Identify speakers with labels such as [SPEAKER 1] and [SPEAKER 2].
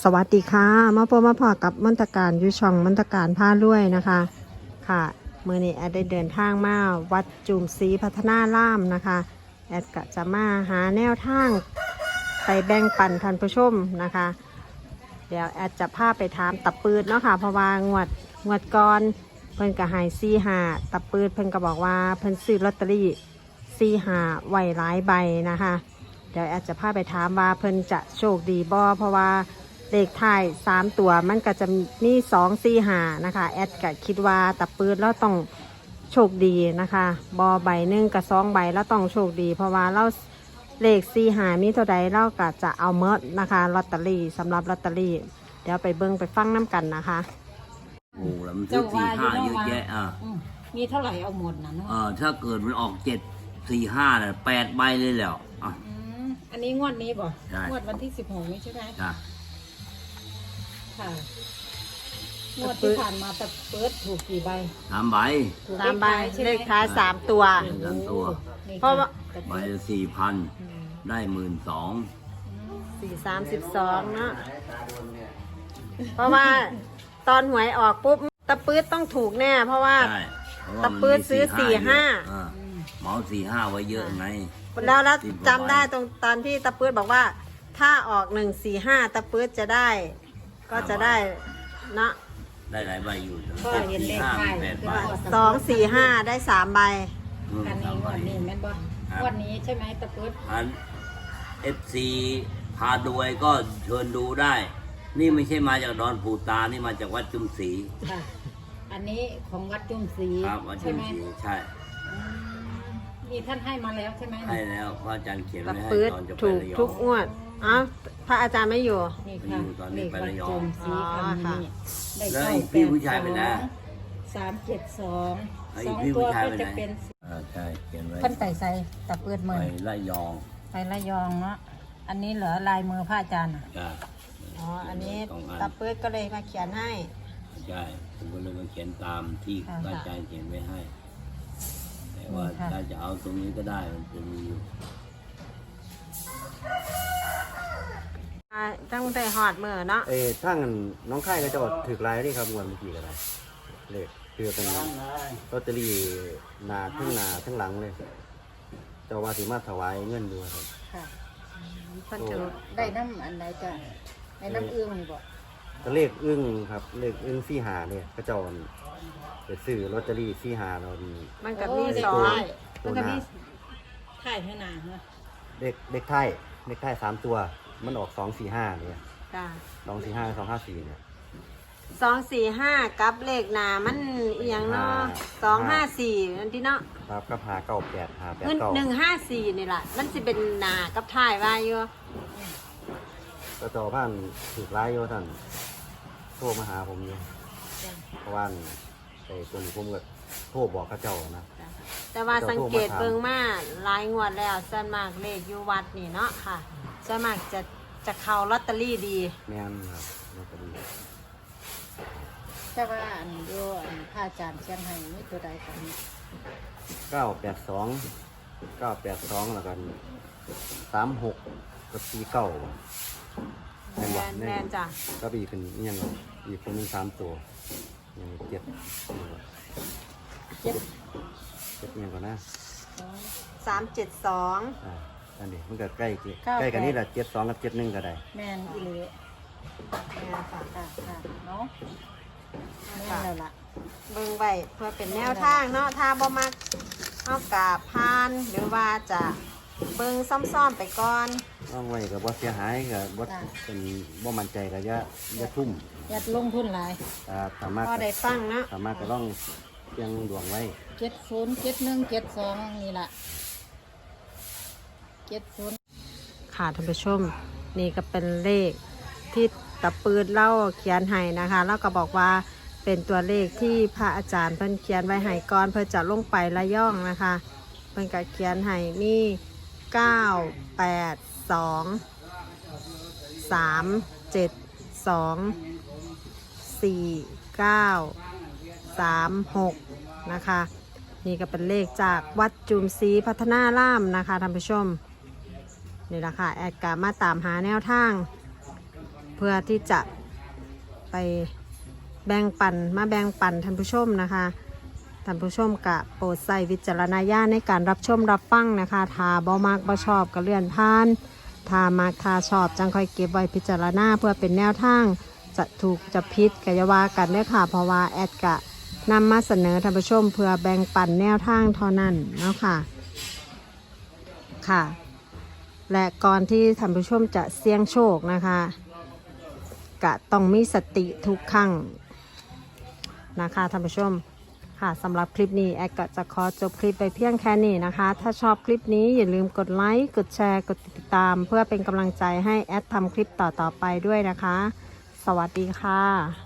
[SPEAKER 1] สวัสดีค่ะมาพบมาพอกับมนตการยุช่องมนตการผ้าล้วยนะคะค่ะเมื่อนี้แอดได้เดินทางมาวัดจุ่มศรีพัฒนาร่ามนะคะแอดก็จะมาหาแนวทางไปแบ่งปันท่านผู้ชมนะคะเดี๋ยวแอดจะพาไปถามตะปืดเนาะค่ะเพราะว่างวดก่อนเพิ่นก็ให้45ตะปืดเพิ่นก็บอกว่าเพิ่นซื้อลอตเตอรี่45ไว้หลายใบนะคะเดี๋ยวแอดจะพาไปถามว่าเพิ่นจะโชคดีบ่เพราะว่าเลขท้าย3ตัวมันก็จะมี245นะคะแอดก็คิดว่าตะปืดแล้วต้องโชคดีนะคะบอใบหนึ่งกับ2ใบแล้วต้องโชคดีเพราะว่าเราเลข45มีเท่าใดเราก็จะเอาเมดนะคะลอตเตอรี่สำหรับลอตเตอรี่เดี๋ยวไปเบิ่งไปฟังน้ำกันนะคะ
[SPEAKER 2] โอ้แล้วมันซื้อ45เยอะแยะ
[SPEAKER 3] มีเท่าไหร่เอาหมดนะเนาะ
[SPEAKER 2] ถ้าเกิดมันออก745เนี่ย8ใบเลยแล้ว
[SPEAKER 3] อันนี้งวดนี้บ่
[SPEAKER 2] ง
[SPEAKER 3] วดวันที่16นี้ใช่ไหม
[SPEAKER 2] ค่ะ
[SPEAKER 3] งวดที่ผ่านมาแต่เปิดถูกกี่ใบ
[SPEAKER 2] 3ใบ
[SPEAKER 1] 3ใบเลขท้าย3ตัว
[SPEAKER 2] 3ตัว
[SPEAKER 1] เพราะว่า
[SPEAKER 2] ใบละ4,000ได้12,000
[SPEAKER 1] 432เนาะเพราะว่าตอนหวยออกปุ๊บตะปื๊ดต้องถูกแน่เพราะว่าตะปื๊ดซื้อ45
[SPEAKER 2] เหมา45ไว้เยอะไง
[SPEAKER 1] แล้วจำได้ตอนที่ตะปื๊ดบอกว่าถ้าออก145ตะปื๊ดจะได้ก็จะได้นะ
[SPEAKER 2] ได้หลายใบอยู่
[SPEAKER 3] ก็เห็นเลขท้าย
[SPEAKER 1] 245ได้3ใบ
[SPEAKER 3] อันนี้งวดนี้แม่นบ่งวดนี้ใช่ไหมตะปื๊ด
[SPEAKER 2] อัน FC พาดูก็เชิญดูได้นี่ไม่ใช่มาจากดอนปูตานี่มาจากวัดจุ่มศรี
[SPEAKER 3] ค่ะอันนี้ของวัดจุ่มศรี
[SPEAKER 2] ครับวัดจุ่มศรีใช่
[SPEAKER 3] นี่ท่านให้มาแล้วใช่ไหม
[SPEAKER 2] ให้แล้วพระอาจารย์เขียนไว้ให้ตอนจะไป
[SPEAKER 1] ถูก
[SPEAKER 2] ระยอง
[SPEAKER 1] ทุกงวดอ้าวพระอาจารย์ไม่อยู่
[SPEAKER 3] นี่ค่ะ
[SPEAKER 2] ตอนนี้ไประยอง
[SPEAKER 3] แล้ว
[SPEAKER 2] พี่ผู้ชายไปนะ
[SPEAKER 3] 372 2ตัวก็จะเป็น
[SPEAKER 2] ใช่เขียนไว้
[SPEAKER 3] ท่านใส่ตะเปื้อนมือ
[SPEAKER 2] ไประยอง
[SPEAKER 3] ไประยองเนาะอันนี้เหลือลายมือพระอาจารย์
[SPEAKER 1] อ๋ออันนี้ตะปื๊ดก็เลยมาเขียนให้
[SPEAKER 2] ใช่ผมก็เลยมาเขียนตามที่พระอาจารย์เขียนไว้ให้แต่ว่าถ้าจะเอาตรงนี้ก็ได้มันจะมีอยู่
[SPEAKER 1] ต้องได้หอดมือเนาะ
[SPEAKER 4] ทั้งน้องไข่ก็จะถือลายนี่ครับวันเมื่อกี้ก็ได้เลขคือเป็นลอตเตอรี่หน้าทั้งหลังเลยเจ้าว่าสิมาถวายเงินด้วยครับ
[SPEAKER 3] ค่ะได้น้ำอันไหนจ้ะได้น้ำอึ้งนี่บ่
[SPEAKER 4] เลขอึ้งครับเลขอึ้ง45เนี่ยก็จะไปซื้อลอตเตอรี่45เราดี
[SPEAKER 1] มันกับมี
[SPEAKER 3] มันกับมีถ่ายให้หนาเนาะ
[SPEAKER 4] เลขไทย3ตัวมันออก245เนี่ย245 254เนี่ย
[SPEAKER 1] 245กับเลขหน้ามันอย่างเนาะ254นั่นที่เนาะ
[SPEAKER 4] ครับกับ598 589
[SPEAKER 1] 154นี่แหละมันสิเป็นหน้ากับท้ายว่าอยู่
[SPEAKER 4] ก็ต่อผ่านถือลายโยท่านโทรมาหาผมอยู่เพราะว่าตัวนี้ผมก็โทรบอกข้าเจ้านะ
[SPEAKER 1] แต่ว่าสังเกตเบิ่งมาหลายงวดแล้วส่วนมากเลขอยู่วัดนี่เนาะค่ะส่วนมากจะเข้าลอตเตอรี่ดี
[SPEAKER 4] แม่นครับลอตเตอรี่
[SPEAKER 3] แต่ว่าอันโยพระอาจารย์เชียงไฮ้นี่ตัวใดกัน
[SPEAKER 4] 982แล้วกัน36กับ49
[SPEAKER 1] แม่นจ้ะ
[SPEAKER 4] ก็อีกเป็นยังอีกคนนึง3ตัวยัง7ยังก่อนนะ
[SPEAKER 1] 372
[SPEAKER 4] อันนี้มันก็ใกล้กันนี่แหละ72กับ71ก็ได้
[SPEAKER 3] แม่นอีหลีแม่นค่ะเนาะแม่นแล้วล่ะ
[SPEAKER 1] เบิ่งไว้เพื่อเป็นแนวทางเนาะถ้าบ่มักเอากาพานหรือว่าจะเบิ่งซ่อมๆไปก่อน
[SPEAKER 4] ต้องไว้กับบ่เสียหายกับบ่เป็นบ่มั่นใจก็อย่าทุ่ม
[SPEAKER 3] อย่าลงทุนหลาย
[SPEAKER 4] สามารถ
[SPEAKER 1] พอได้ฟังนะ
[SPEAKER 4] สามารถก็ต้องยังดวงไว้
[SPEAKER 3] 70 71 72นี่ล่ะ70
[SPEAKER 1] ค่ะท่านผู้ชมนี่ก็เป็นเลขที่ตะปืดเล่าเขียนให้นะคะแล้วก็บอกว่าเป็นตัวเลขที่พระอาจารย์เพิ่นเขียนไว้ให้ก่อนเพื่อจะลงไประย่องนะคะเพิ่นก็เขียนให้มี982 372 4936นะคะนี่ก็เป็นเลขจากวัดจุมศรีพัฒนาร่ามนะคะท่านผู้ชมนี่แหละค่ะแอดกามาตามหาแนวทางเพื่อพื่อที่จะไปแบ่งปันมาแบ่งปันท่านผู้ชมนะคะท่านผู้ชมกะโปรดใส่วิจารณญาณในการรับชมรับฟังนะคะถ้าบ่มักบ่ชอบก็เลื่อนผ่านถ้ามักถ้าชอบจังค่อยเก็บไว้พิจารณาเพื่อเป็นแนวทางจะถูกจะผิดกอยาว่ากันเด้อค่ะเพราะว่าแอดกะนำมาเสนอท่านผู้ชมเพื่อแบ่งปันแนวทางเท่านั้นเนาะค่ะค่ะและก่อนที่ท่านผู้ชมจะเสี่ยงโชคนะคะกะต้องมีสติทุกครั้งนะคะท่านผู้ชมค่ะสำหรับคลิปนี้แอดก็จะขอจบคลิปไปเพียงแค่นี้นะคะถ้าชอบคลิปนี้อย่าลืมกดไลค์กดแชร์กดติดตามเพื่อเป็นกำลังใจให้แอดทำคลิปต่อๆไปด้วยนะคะสวัสดีค่ะ